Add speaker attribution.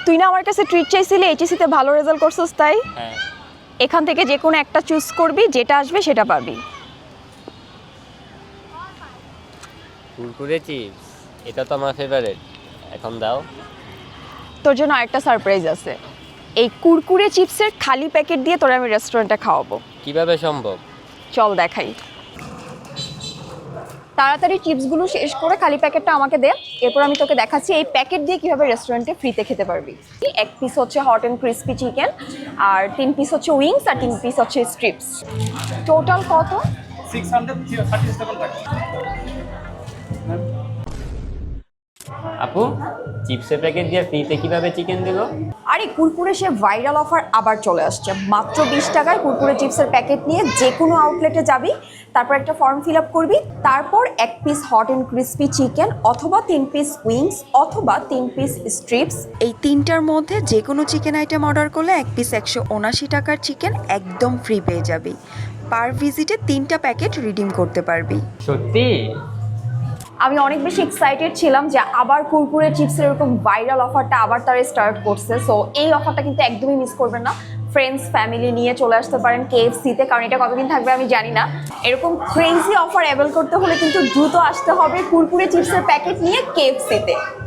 Speaker 1: তুই না আমার কাছে ট্রিট চাইছিলি, এইচএসসিতে ভালো রেজাল্ট করছিস তাই?
Speaker 2: হ্যাঁ।
Speaker 1: এখান থেকে যে কোনো একটা চুজ করবি, যেটা আসবে সেটা পাবি।
Speaker 2: কুরকুরে চিপস, এটা তো আমার ফেভারিট, এখন দাও।
Speaker 1: তোর জন্য আরেকটা সারপ্রাইজ আছে। এই কুরকুরে চিপসের খালি প্যাকেট দিয়ে তোরা আমি রেস্টুরেন্টে খাওয়াবো।
Speaker 2: কিভাবে সম্ভব?
Speaker 1: চল দেখাই। তাড়াতাড়ি চিপসগুলো শেষ করে খালি প্যাকেটটা আমাকে দে, এরপর আমি তোকে দেখাচ্ছি এই প্যাকেট দিয়ে কিভাবে রেস্টুরেন্টে ফ্রিতে খেতে পারবি। 1 পিস হচ্ছে হট অ্যান্ড ক্রিস্পি চিকেন, আর 3 পিস হচ্ছে উইংস, আর 3 পিস হচ্ছে স্ট্রিপস। টোটাল কত?
Speaker 3: 637 টাকা।
Speaker 2: আপু, চিপসের প্যাকেট দিয়ে ফ্রিতে কিভাবে চিকেন দিল?
Speaker 1: আরে কুরকুরে সে ভাইরাল অফার আবার চলে আসছে। মাত্র 20 টাকায় কুরকুরে চিপসের প্যাকেট নিয়ে যে কোনো আউটলেটে যাবি, তারপর একটা ফর্ম ফিল আপ করবি, তারপর 1 piece hot and crispy chicken অথবা 3 পিস উইংস অথবা 3 পিস স্ট্রিপস, এই তিনটার মধ্যে যে কোনো চিকেন আইটেম অর্ডার করলে 1 পিস 179 টাকার চিকেন একদম ফ্রি পেয়ে যাবি। পার ভিজিটে 3টা প্যাকেট রিডিম করতে পারবি।
Speaker 2: সত্যি?
Speaker 1: আমি অনেক বেশি এক্সাইটেড ছিলাম যে আবার কুরকুরে চিপসের এরকম ভাইরাল অফারটা আবার তারা স্টার্ট করছে। সো এই অফারটা কিন্তু একদমই মিস করবেন না। ফ্রেন্ডস ফ্যামিলি নিয়ে চলে আসতে পারেন কেএফসিতে, কারণ এটা কতদিন থাকবে আমি জানি না। এরকম ক্রেজি অফার অ্যাভেল করতে হলে কিন্তু দ্রুত আসতে হবে কুরকুরে চিপসের প্যাকেট নিয়ে কেএফসিতে।